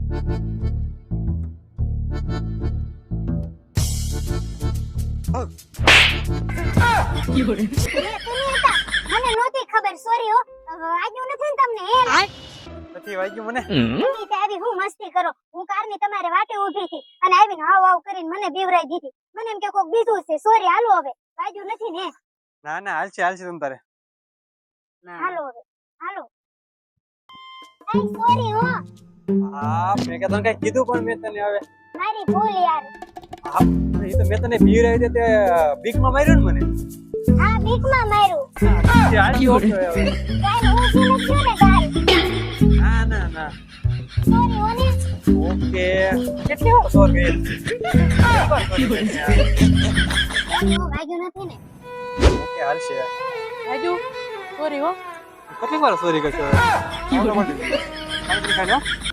મને નહોતી ખબર, સોરી હો. વાગ્યું નથી ને તમને? નથી વાગ્યું મને. આવી હું મસ્તી કરો, હું કારની તમારે વાટે ઊભી હતી અને આવીને હાવ હાવ કરીને મને બીવરાઈ દીધી. મને એમ કે કોક બીજું છે. સોરી, હાલો હવે. વાગ્યું નથી ને? ના ના, હાલશે તમ તારે. હાલો હવે, હાલો. સોરી હો. હા, મેં કે તને કઈ કીધું પણ મેં તને હવે. મારી ભૂલ યાર. હા, એ તો મેં તને બીવરાઈ દે તે બીકમાં માર્યો ને મને. હા, બીકમાં માર્યું. હાલજો હવે. કાઈ ઊંચી નથી ને કાઈ. ના ના ના. સોરી હો ને. ઓકે. કેટલી વાર સોરી? વાગ્યું નથી ને? ઓકે, હાલશે. રાજુ સોરી હો. કેટલી વાર સોરી કરશો? ખાઈ લો.